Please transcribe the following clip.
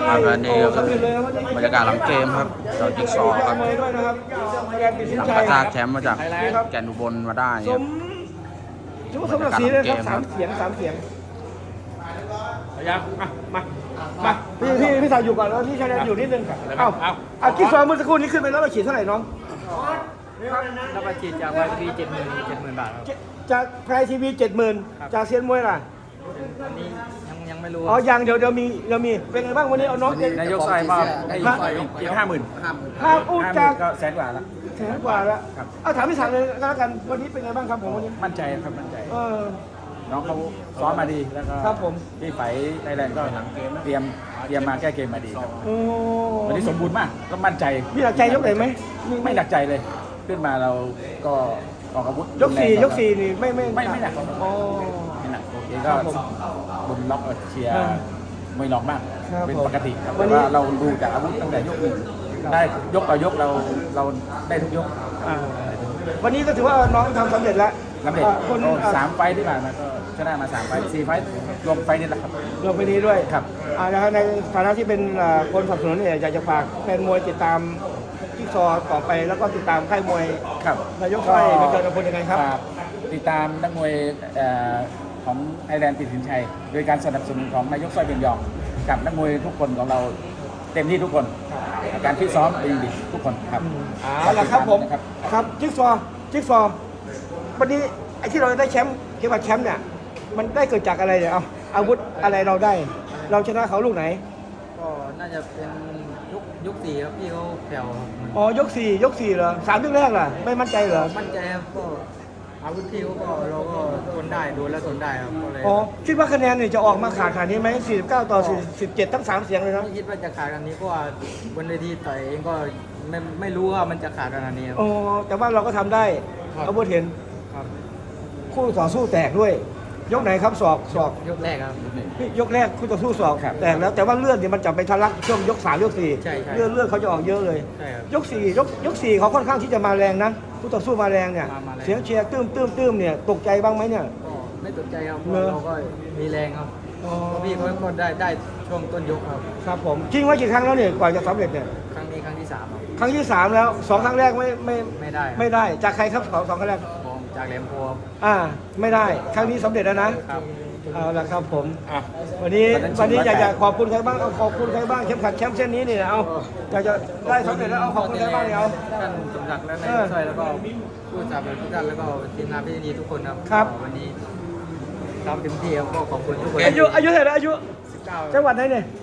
อันนี้ก็คือบรรยากาศหลังเกมครับเจ้าจิ๊กซอว์ครับ หลังกระชากแชมป์มาจากแก่นอุบลมาได้ครับชุดสมศักดิ์ศรีเลยครับ3 เสียงยังมาพี่สาวอยู่ก่อนแล้วพี่ชายแดนอยู่นิดนึงเอากิ๊กซอว์เมื่อสักครู่นี้ขึ้นไปแล้วเราฉีดเท่าไหร่น้องแล้วมาฉีดจากYTV 70,000 บาทครับจากไพรทีวี70,000จากเซียนมวยล่ะอันนี้ยังไม่รู้อ๋อยังเดี๋ยวมีเป็นไงบ้างวันนี้เอาน้องนายกใส่มาให้อีก50,000 อู้จากก็แสนกว่าแล้วแสนกว่าแล้วเอาถามพี่สาวเลยก็แล้วกันวันนี้เป็นไงบ้างครับผมวันนี้มั่นใจครับมั่นใจ น้องเขาอซ้อมมาดีแล้วก็ครับผมที่ไฟไทยแลนด์ก็เตรียมมาแก้เกมมาดีครับโอ้วันนี้สมบูรณ์มากก็มั่นใจมีหลักใจยกไหนไหมไม่หนักใจเลย ขึ้นมาเราก็ออกอาวุธยกสี่นี่ไม่ไม่หนักอ๋อไม่หนักโอเคก็ครับผมบนล็อกเชียร์มวยรองมากครับเป็นผมปกติครับวัแต่นนี้ว่าเราดูจากอาวุธตั้งแต่ยกหนึ่งได้ยกต่อยกเราได้ทุกยกวันนี้ก็ถือว่าน้องทำสำเร็จแล้วลำเด็ดคน 3 ไฟต์ที่ผ่านมาก็ชนะมา3 ไฟต์4 ไฟต์รวมไฟต์นี่แหละครับลงไปนี้ด้วยครับนะครับในฐานะที่เป็นคนสนับสนุนเนี่ยอยากจะฝากแฟนมวยติดตามจิ๊กซอว์ต่อไปแล้วก็ติดตามค่ายมวยครับนายกค่ายเป็นเกิดผลยังไงครับฝากติดตามนักมวยของไอแลนด์ปิดสินชัย โดยการสนับสนุนของนายกสร้อยเบียงยองกับนักมวยทุกคนของเราเต็มที่ทุกคน การฟิตซ้อมดีทุกคนครับเอาละครับผมนะครับครับจิ๊กซอว์วันนี้ไอ้ที่เราได้แชมป์เกี่ยวกับแชมป์เนี่ยมันได้เกิดจากอะไรเนี่ยเอาอาวุธอะไรเราได้ เราชนะเขาลูกไหนก็น่าจะเป็นยุค4ครับพี่เขาแผ่วครับอ๋อยกสี่เหรอ3 ยกแรกล่ะไม่มั่นใจเหรอมั่นใจครับก็อาวุธพี่เขาก็เราก็ทนได้โดนแล้วทนได้ครับก็เลยอ๋อคิดว่าคะแนนเนี่ยจะออกมาขาดขนาดนี้ไหม49 ต่อ 17ทั้ง3 เสียงเลยนะไม่คิดว่าจะขาดกันนี้เพราะว่าบนเวทีต่อยเองก็ไม่รู้ว่ามันจะขาดขนาดนี้ครับอ๋อแต่ว่าเราก็ทำได้ครับอาวุธเห็นครับคู่ต่อสู้แตกด้วย ยกไหนครับศอกยกแรกครับยกแรกคู่ต่อสู้ศอกแตกแล้วแต่ว่าเลือดเนี่ยมันจะไปทะลักช่วงยก3 ยกใช่ 4เลือดเขาจะออกเยอะเลยใช่ครับยก4เขาค่อนข้างที่จะมาแรงนะคู่ต่อสู้มาแรงเนี่ยมาแรงเสียงเชียร์ตื้มเนี่ยตกใจบ้างไหมเนี่ยก็ไม่ตกใจครับเพเนราะอะเราก็มีแรงครับอ๋อเพราะพี่เขาก็ได้ช่วงต้นยกครับครับผมชิงไว้กี่ครั้งแล้วเนี่ยกว่าจะสำเร็จเนี่ยครั้งนี้ครั้งที่3ครับครั้งที่3แล้ว2 ครั้งแรกไม่ไม่ได้ครับไม่ได้จากใครครับสองครั้งแรกผมจากแหลมโพครับไม่ได้ครั้งนี้สำเร็จแล้วนะครับ เอาละครับผมวันนี้อยากจะขอบคุณใครบ้างเอาขอบคุณใครบ้างเข็มขัดแชมป์เส้นนี้เนี่ยเอาอยากจะได้สำเร็จแล้วเอาขอบคุณใครบ้างเนี่ยเอาท่านสมศักดิ์และนายกสร้อยแล้วก็ผู้สนับสนุนทุกท่านแล้วก็ทีมงานพิธีดีทุกคนครับครับก็วันนี้ทำเต็มที่ครับก็ขอบคุณทุกคนอายุเท่าไหร่อายุ 19 จังหวัดไหนเนี่ย